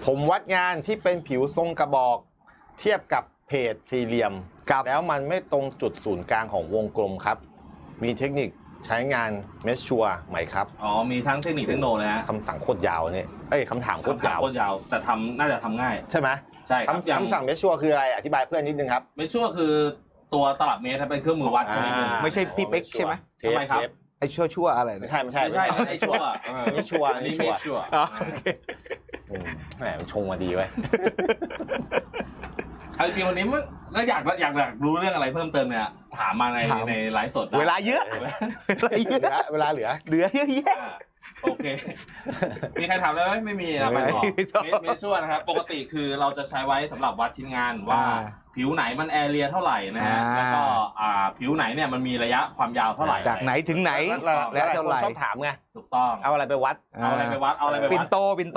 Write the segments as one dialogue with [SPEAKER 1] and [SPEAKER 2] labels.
[SPEAKER 1] ผมวัดงานที่เป็นผิวทรงกระบอกเทียบกับเพจสี่เหลี่ยมแล้วมันไม่ตรงจุดศูนย์กลางของวงกลมครับมีเทคนิคใช้งานเมชชัวร์ไหมครับ
[SPEAKER 2] อ๋อมีทั้งเทคนิคเทคโนเลยฮะ
[SPEAKER 1] คำสั่งโคตรยาวเนี่ยคำถามโคตรยาว
[SPEAKER 2] แต่น่าจะทำง่าย
[SPEAKER 1] ใช่ไหม
[SPEAKER 2] ใช่ครับ
[SPEAKER 1] คำสั่งเมชชัวร์คืออะไรอธิบายเพื่อนนิดนึงครับ
[SPEAKER 2] เมชชัวร์คือตัวตลับเมตรเป็นเครื่องมือวัดใช่ไหม
[SPEAKER 3] ไม่ใช่พี่เป๊กใช่ไหม
[SPEAKER 2] ทำไมครับ
[SPEAKER 3] ไอ้ชั่วอะไร
[SPEAKER 1] ไม่ใช่
[SPEAKER 2] ไอ้ชั่ว
[SPEAKER 1] นี่ชัวร์นี่ชัวร์แหมมันชงมาดีไว้
[SPEAKER 2] จริงวันนี้มันก็อยากรู้เรื่องอะไรเพิ่มเติมเนี่ยถามมาในไลฟ์สด
[SPEAKER 3] เวลาเยอะ
[SPEAKER 1] เวลาเหลือ
[SPEAKER 3] เยอะแยะ
[SPEAKER 2] โอเคมีใครถามได้ไหมไม่มีนะไปต่อเมชชัวร์นะครับปกติคือเราจะใช้ไว้สำหรับวัดชิ้นงานว่าผิวไหนมันแอเรียเท่าไหร่นะฮะแล้วก็ผิวไหนเนี่ยมันมีระยะความยาวเท่าไหร่
[SPEAKER 3] จากไหนถึงไหน
[SPEAKER 1] แล้วเท่าไหร่ชอบถามไง
[SPEAKER 2] ถูกต้อง
[SPEAKER 1] เอาอะไรไปวัด
[SPEAKER 3] ปินโต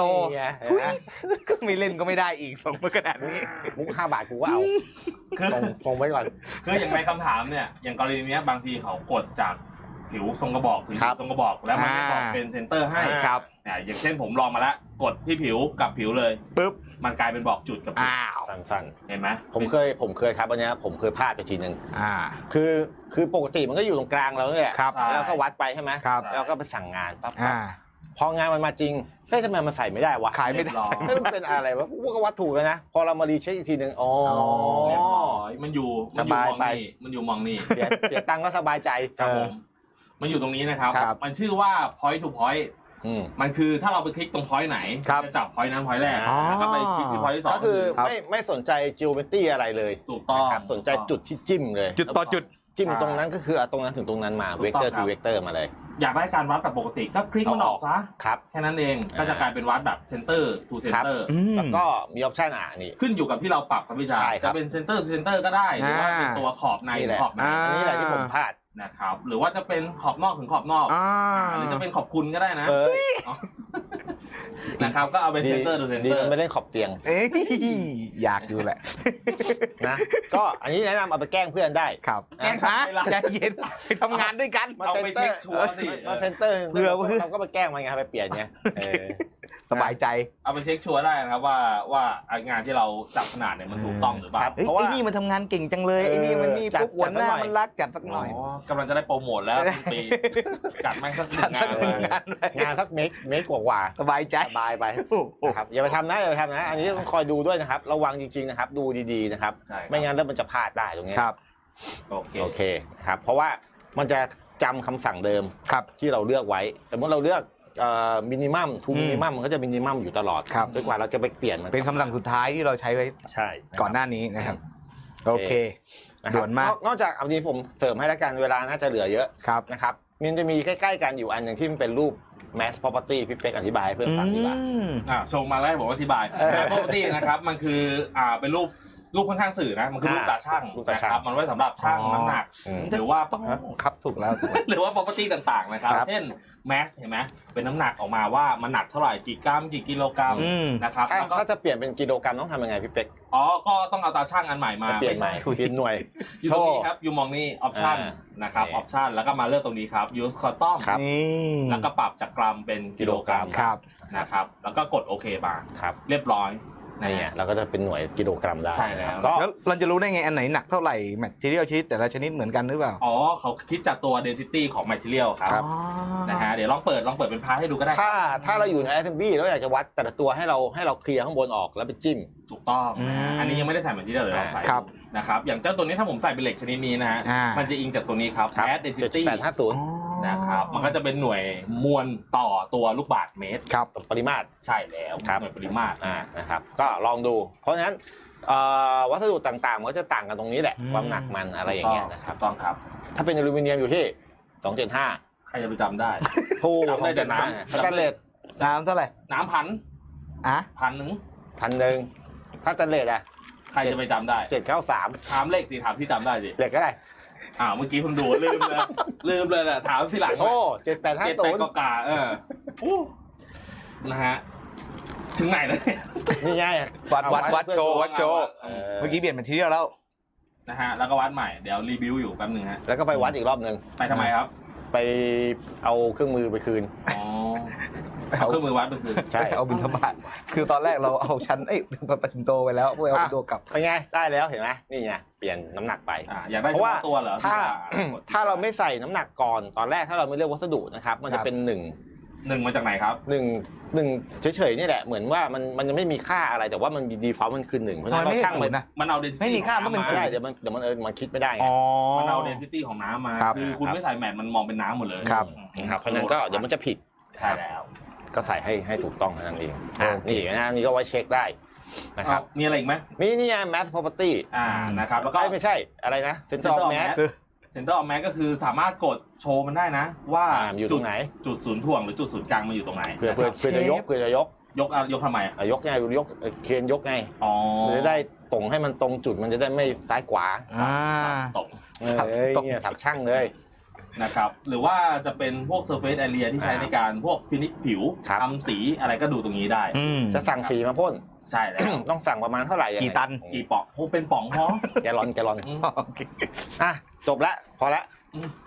[SPEAKER 3] ไม่เล่นก็ไม่ได้อีกส่งมาขนาดนี้
[SPEAKER 1] มุก5 บาทกูก็เอาส่งไว้ก่อน
[SPEAKER 2] คืออย่างในคำถามเนี่ยอย่างกรณีนี้บางทีเขากดจากผิวทรงกระบอกถึงทรงกระบอกแล้วมันไม่บอกเป็นเซนเตอร์ให้
[SPEAKER 3] ครับ
[SPEAKER 2] เนี่ยอย่างเช่นผมลองมาแล้วกดที่ผิวกับผิวเลย
[SPEAKER 3] ปึ๊บ
[SPEAKER 2] มันกลายเป็นบอกจุดกับ
[SPEAKER 1] สั้น
[SPEAKER 2] ๆเห็นไหม
[SPEAKER 1] ผมเคยครับวันนี้ผมเคยพลาดไปทีนึงคือปกติมันก็อยู่ตรงกลางเราเนี่ยแล้วก็วัดไปใช่ไหมแล้วก็ไปสั่งงานปั๊บพองานมันมาจริงทำไมมันใส่ไม่ได้วะ
[SPEAKER 3] ขายไม่ได้
[SPEAKER 1] มันเป็นอะไรวะก็วัดถูกแล้วนะพอเรามารีเช็คอีกทีนึงอ๋อ
[SPEAKER 2] มันอยู่มันอยู่มองนี่
[SPEAKER 1] เสียตังค์แล้วสบายใจ
[SPEAKER 2] ครับผมมันอยู่ตรงนี้นะครับมันชื่อว่า point to point มันคือถ้าเราไปคลิกตรง point ไหนจะจับ point นั้น point แรกแล้วก็ไปคลิกที่ point ที่2
[SPEAKER 1] ก็คือไม่สนใจ geometry อะไรเลย
[SPEAKER 2] ถูกต้อง
[SPEAKER 1] สนใจจุดที่จิ้มเลย
[SPEAKER 3] จุดต่อจุด
[SPEAKER 1] จิ้มตรงนั้นก็คือตรงนั้นถึงตรงนั้นมา vector to vector มาเลย
[SPEAKER 2] อยากได้การวัดแบบปกติก็คลิกมันออกซะแค่นั้นเองก็จะกลายเป็นวัดแบบ center to center
[SPEAKER 1] แล้วก็มีออปชั่นนี่
[SPEAKER 2] ขึ้นอยู่กับที่เราปรับครับพี่ชายจะเป็น center to center ก็ได้หรือว่าเป็นตัวขอบในขอบใน
[SPEAKER 1] นี่แหละที่ผมพลาด
[SPEAKER 2] นะครับหรือว่าจะเป็นขอบนอกถึงขอบนอกหรือจะเป็นขอบคุณก็ได้นะนะครับก็เอาเป็นเซนเตอร์ดูเซนเตอร์
[SPEAKER 1] ไม่ได้ขอบเตียง
[SPEAKER 3] อยากดูแหละ
[SPEAKER 1] นะก็อันนี้แนะนำเอาไปแกล้งเพื่อนได้
[SPEAKER 3] ครับแกล้งใจเย็นไปทำงานด้วยกัน
[SPEAKER 2] เอาไปเช็คชัวร์สิ
[SPEAKER 1] มาเซนเตอร์เพื่อเราก็ไปแกล้งมันไงไปเปลี่ยนไง
[SPEAKER 3] สบายใจ
[SPEAKER 2] เอาไปเช็คชัวร์ได้นะครับว่างานที่เราจับขนาดเนี่ยมันถูกต้องหรือเปล่า
[SPEAKER 3] เพราะว่าไอ้นี่มันทำงานเก่งจังเลยไอ้นี่มันนี่ปุ๊บหัวหน้ามันรักจัดสักหน่อย
[SPEAKER 2] กำลังจะได้โปรโมทแล้วปีจัดไม่สัก
[SPEAKER 1] งานสักเมกกว่า
[SPEAKER 3] สบายใจ
[SPEAKER 1] สบายไปนะครับอย่าไปทำนะอันนี้ต้องคอยดูด้วยนะครับระวังจริงๆนะครับดูดีๆนะครับไม่งั้นแล้วมันจะพลาดได้ตรงนี้
[SPEAKER 3] ครับ
[SPEAKER 1] โอเคครับเพราะว่ามันจะจำคำสั่งเดิมที่เราเลือกไว้แต่เมื่อเราเลือกมินิมัมทูมินิมัมมันก็จะมินิมัมอยู่ตลอดจนกว่าเราจะไปเปลี่ยนมัน
[SPEAKER 3] เป็นคำสั่งสุดท้ายที่เราใช้ไว้ก่อนหน้านี้นะครับโอเคด่วนมาก
[SPEAKER 1] นอกจากอันนี้ผมเสริมให้แล้วกันเวลาน่าจะเหลือเยอะนะครับมันจะมีใกล้ๆกันอยู่อันหนึ่งที่มันเป็นรูป mass property พี่เป๊กอธิบายเพื่อนฟังดีกว่า
[SPEAKER 2] ชงมาแล้วบอกว่าอธิบาย mass property นะครับมันคือเป็นรูปค่อนข้างสื่อนะมันคือรูปตาช่างนะครับมันไว้สำหรับช่างน้ำหนักหรือว่า
[SPEAKER 3] ครับถูกแล้ว
[SPEAKER 2] หรือว่า property ต่างๆนะครับเช่น mass เห็นไหมเป็นน้ำหนักออกมาว่ามันหนักเท่าไหร่กี่กรัมกี่กิโลกรัมนะครับ
[SPEAKER 1] ถ้าจะเปลี่ยนเป็นกิโลกรัมต้องทำยังไงพี่เป๊ก
[SPEAKER 2] ก็ต้องเอาตาช่างอันใหม่มา
[SPEAKER 1] เปลี่ยนใหม่เปลี่ยนหน่วย
[SPEAKER 2] อยู่ตรงนี้ครับอยู่มองนี่ option นะครับ option แล้วก็มาเลือกตรงนี้ครับ use custom แล้วก็ปรับจากกรัมเป็นกิโลกรัมนะครับแล้วก็กดโอเคมาเรียบร้อย
[SPEAKER 1] นี่เราก็จะเป็นหน่วยกิโลกรัมได้
[SPEAKER 2] ใช่แล้ว
[SPEAKER 3] แล้วเราจะรู้ได้ไงอันไหนหนักเท่าไหร่แมททีเรียลชนิดแต่ละชนิดเหมือนกันหรือเปล่า
[SPEAKER 2] เขาคิดจากตัว density ของ material ครับนะฮะเดี๋ยวลองเปิดเป็นพาร์ทให้ดูก็ได้
[SPEAKER 1] ถ้าเราอยู่ใน assembly แล้วอยากจะวัดแต่ละตัวให้เราเคลียร์ข้างบนออกแล้วไปจิ้ม
[SPEAKER 2] ถูกต้องอันนี้ยังไม่ได้ใส่ material เลยเราใส่นะครับอย่างเจ้าตัวนี้ถ้าผมใส่เป็นเหล็กชนิดนี้นะฮะมันจะอิงจากตัวนี้ครับ mass density
[SPEAKER 1] 850
[SPEAKER 2] นะครับมันก็จะเป็นหน่วยมวลต่อตัวลูกบาศก์เมตร
[SPEAKER 1] ปริมาตร
[SPEAKER 2] ใช่แล้วหน่วยปริมาตร
[SPEAKER 1] นะครับก็ลองดูเพราะฉะนั้นวัสดุต่างๆมันก็จะต่างกันตรงนี้แหละความหนักมันอะไรอย่างเงี้ยนะครับ
[SPEAKER 2] ต้องครับ
[SPEAKER 1] ถ้าเป็นอลูมิเนียมอยู่ที่275
[SPEAKER 2] ใครจะไปจำได้
[SPEAKER 1] ถูกได้แต่น้ำสแตนเลส
[SPEAKER 3] น้ำเท่าไหร่
[SPEAKER 2] น้ำ1,000
[SPEAKER 1] ถ้าสแตนเลส
[SPEAKER 2] ใครจะไปจำได้
[SPEAKER 1] 793
[SPEAKER 2] ถามเลขสิถามที่จำได้สิ
[SPEAKER 1] เลขก็ได้
[SPEAKER 2] เมื่อกี้ผมดูลืมเลยแหละถามทีหลัง
[SPEAKER 1] 7850
[SPEAKER 2] กานะฮะถึงไหนแล้ว
[SPEAKER 1] นี่ไง
[SPEAKER 3] วัดโจเมื่อกี้เปลี่ยนเป็นทีเดียวแล้ว
[SPEAKER 2] นะฮะแล้วก็วัดใหม่เดี๋ยวรีวิวอยู่แป๊บนึงฮะ
[SPEAKER 1] แล้วก็ไปวัดอีกรอบนึง
[SPEAKER 2] ไปทำไมครับ
[SPEAKER 1] ไปเอาเครื่องมือไปคืน
[SPEAKER 2] เอาเครื่องมือวัดไปคืน
[SPEAKER 1] ใช่
[SPEAKER 3] เอาบิณฑบาตคือตอนแรกเราเอาชั้นปฏิโตไปแล้วเพื่อเอาตัวกลับ
[SPEAKER 1] เป็นไงได้แล้วเห็นไหมนี่ไงเปลี่ยนน้ำหนักไป
[SPEAKER 2] อยากได้
[SPEAKER 1] เพราะว่า
[SPEAKER 2] ตัวเหรอ
[SPEAKER 1] ถ้าเราไม่ใส่น้ำหนักก่อนตอนแรกถ้าเราไม่เลือกวัสดุนะครับมันจะเป็น1
[SPEAKER 2] 1มาจากไหนครับ
[SPEAKER 1] 1เฉยๆนี่แหละเหมือนว่ามันยังไม่มีค่าอะไรแต่ว่ามันดีฟอลต์มันคือ1เพราะฉะนั้นเราช่าง
[SPEAKER 2] มันเอา density
[SPEAKER 3] ไม่มีค่าก็เป็น
[SPEAKER 1] ใช่เดี๋ยวมันคิดไม่ได้ไง
[SPEAKER 2] มันเอา density ของน้ำมาคือคุณไม่ใส่แมทมันมองเป็นน้ำหมดเลย
[SPEAKER 1] ครับเพราะฉะนั้นก็เดี๋ยวมันจะผิด
[SPEAKER 2] ใช่แล้ว
[SPEAKER 1] ก็ใส่ให้ถูกต้องเท่านั้นเองนี่นะนี่ก็ไว้เช็คได้นะครับ
[SPEAKER 2] มีอะไรอีกไหม
[SPEAKER 1] มีนี่ไง mass property
[SPEAKER 2] นะครับแล้วก็
[SPEAKER 1] ไม่ใช่อะไรนะ center of mass
[SPEAKER 2] center of mass ก็คือสามารถกดโชว์มันได้นะว่า
[SPEAKER 1] อยู่ตรงไหน
[SPEAKER 2] จุดศูนย์ถ่วงหรือจุดศูนย์กลางมันอยู่ตรงไหน
[SPEAKER 1] เพื่อจะยก
[SPEAKER 2] ยกทำไม
[SPEAKER 1] ยกไงยกเคนยกไงมันจะได้ตรงให้มันตรงจุดมันจะได้ไม่ซ้ายขวา
[SPEAKER 2] ตรง
[SPEAKER 1] เนี่ยถักช่างเลย
[SPEAKER 2] นะครับหรือว่าจะเป็นพวก surface area ที่ใช้ในการพวกฟินิชผิวทำสีอะไรก็ดูตรงนี้ได้
[SPEAKER 1] จะสั่งสีมาพ่น
[SPEAKER 2] ใช่แล้ว
[SPEAKER 1] ต้องสั่งประมาณเท่าไหร่
[SPEAKER 3] กี่ตัน
[SPEAKER 2] กี่ป๋องเป็นป๋องพอ
[SPEAKER 1] แกลลอนจบละพอละ